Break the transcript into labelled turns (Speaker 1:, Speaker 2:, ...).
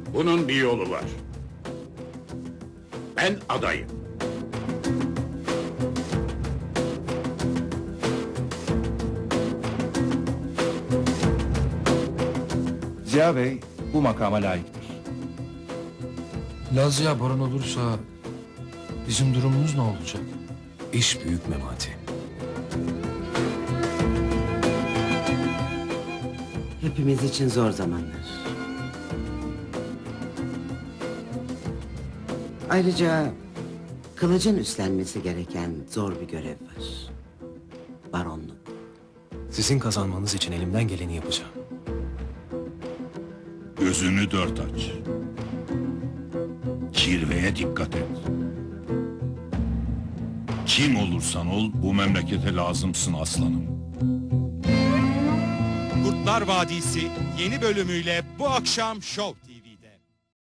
Speaker 1: Bunun bir yolu var. Ben adayım.
Speaker 2: Ziya Bey bu makama layıktır.
Speaker 3: Lazia baron olursa bizim durumumuz ne olacak?
Speaker 4: İş büyük Memati.
Speaker 5: Hepimiz için zor zamanlar. Ayrıca kılıcın üstlenmesi gereken zor bir görev var. Baronluk.
Speaker 4: Sizin kazanmanız için elimden geleni yapacağım.
Speaker 6: Gözünü dört aç. Kirveye dikkat et. Kim olursan ol bu memlekete lazımsın aslanım.
Speaker 7: Kurtlar Vadisi yeni bölümüyle bu akşam Show TV'de.